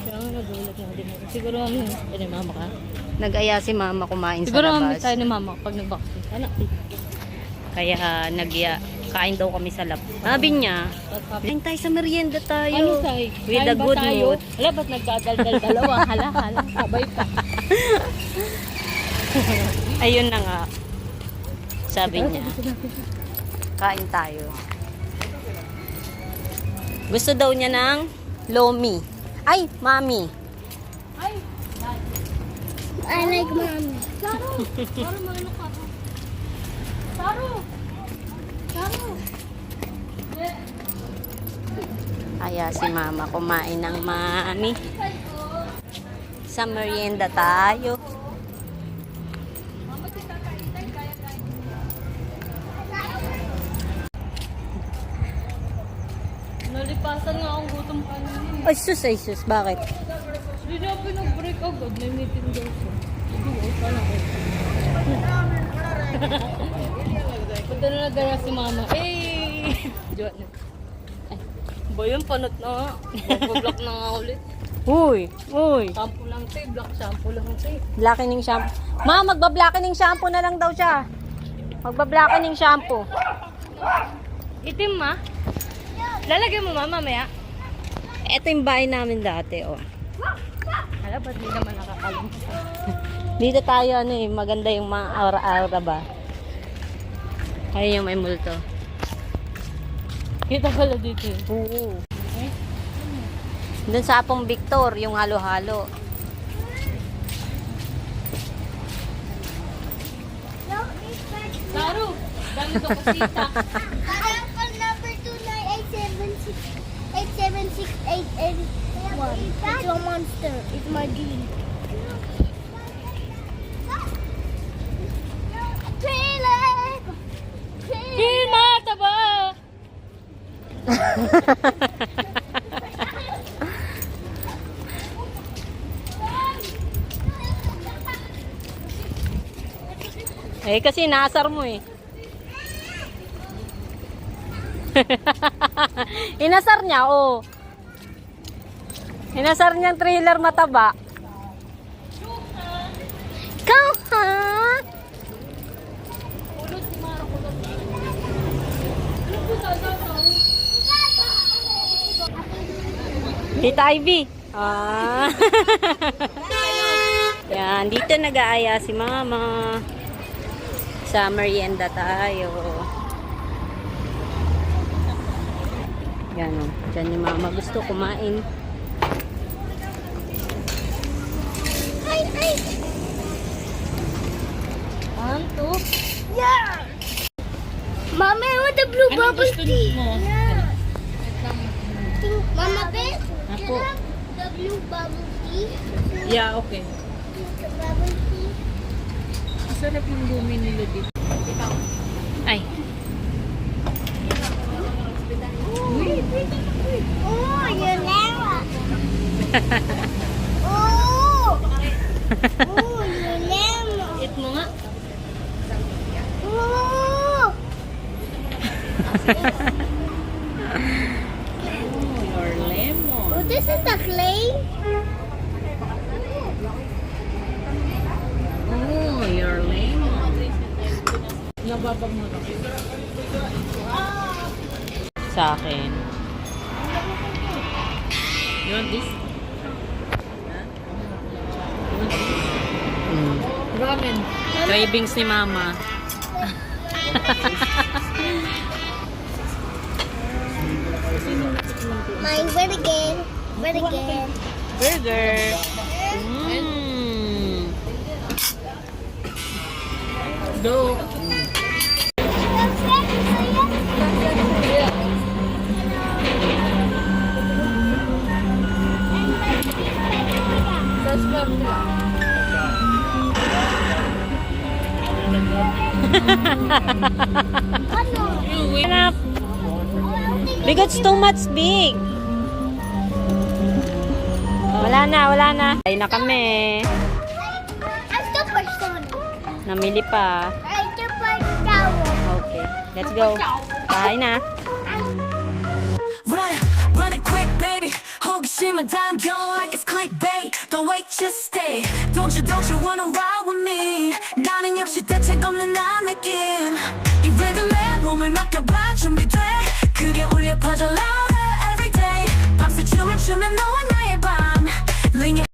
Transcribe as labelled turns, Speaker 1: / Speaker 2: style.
Speaker 1: Kaya nga nagulat na din ako. Siguro ni mama ka.
Speaker 2: Nag-aya si mama kumain
Speaker 1: Siguro
Speaker 2: sa
Speaker 1: kami
Speaker 2: labas.
Speaker 1: tayo ni mama pag nag-vaccine. Anak,
Speaker 2: Kaya kain daw kami sa labas. Sabi niya, kain tayo sa merienda
Speaker 1: ano
Speaker 2: tayo.
Speaker 1: tayo?
Speaker 2: With
Speaker 1: Kain
Speaker 2: a
Speaker 1: ba
Speaker 2: good
Speaker 1: tayo?
Speaker 2: mood.
Speaker 1: Wala, ba't nagdadaldal dalawa? Hala, sabay pa.
Speaker 2: Ayun na nga. Sabi niya, kain tayo. Gusto daw niya ng lomi. Ay, mami.
Speaker 1: Ay,
Speaker 3: I like mommy.
Speaker 1: Saro! Saro, maano ka? Saro! Saro!
Speaker 2: Kaya si mama kumain ng mami. Sa merienda tayo.
Speaker 1: Nalipasan nga akong gutom kanina.
Speaker 2: Ay sus, bakit?
Speaker 1: Hindi niya pinag-break agad. May meeting daw siya. Hindi ko, sana ko. Punta na nagdala si mama. Eh! Diyan na. Ay, ba yun? Panot na nga. Mag-block na nga ulit.
Speaker 2: Uy.
Speaker 1: Shampoo lang tayo. Black shampoo lang tayo.
Speaker 2: Blackening shampoo. Ma, magba-blackening shampoo na lang daw siya. Magba-blackening shampoo.
Speaker 1: Itim ma? Lalagyan mo mama maya?
Speaker 2: Ito yung bahay namin dati, oh.
Speaker 1: Hala, ba't di naman nakakalimutan?
Speaker 2: Dito tayo, maganda yung mga aura-aura ba? Ayun yung may multo.
Speaker 1: Kita pala dito eh.
Speaker 2: Oo. Doon sa Apong Victor, yung halo-halo.
Speaker 1: Laro! Dami ko kusita.
Speaker 3: Phone number 298768881. It's a monster. It's my dream. Trailer!
Speaker 1: Kilma! Taba!
Speaker 2: Eh, kasi nasar mo eh. Inasar niya, oh. Inasar niyang trailer mataba. Ikaw, ha? Tita Ivy. Ah. Yan, dito nag-aaya si mama. Sa merienda tayo. Yan o. Diyan ni mama gusto kumain.
Speaker 3: Ay!
Speaker 1: Anto?
Speaker 3: Yeah! Mama, I want the blue bubble tea.
Speaker 1: mo?
Speaker 3: Yeah. Mama, babe,
Speaker 1: Ako.
Speaker 3: can I have the blue bubble tea?
Speaker 1: Yeah, okay.
Speaker 3: The bubble tea.
Speaker 1: Masarap yung lumi nila dito.
Speaker 2: Ay.
Speaker 3: Oh, you're Lara. Oh! Oh, you're Lara.
Speaker 1: Eat mo nga.
Speaker 3: Oh!
Speaker 1: Your lemon.
Speaker 3: Oh, this is the clay.
Speaker 1: Oh, your lemon. Nababag mo lang.
Speaker 2: Sa akin.
Speaker 1: You want this? Ramen.
Speaker 2: Cravings ni mama.
Speaker 3: Mine, win again. Win again.
Speaker 2: Burger. Mm.
Speaker 1: Go.
Speaker 2: Enough. Because it's too much big. Wala na. Ay na kami.
Speaker 3: I'm super Sonic.
Speaker 2: Namili pa.
Speaker 3: I'm super towel.
Speaker 2: Okay, let's go. Bye na.
Speaker 4: Run it quick, baby. 호기심을 담겨 like it's clean. Just stay. Don't you wanna ride with me? 나는 역시 대책 없는 난 느낌 이 리듬에 몸을 맡겨봐 준비돼 그게 울려 퍼져 loud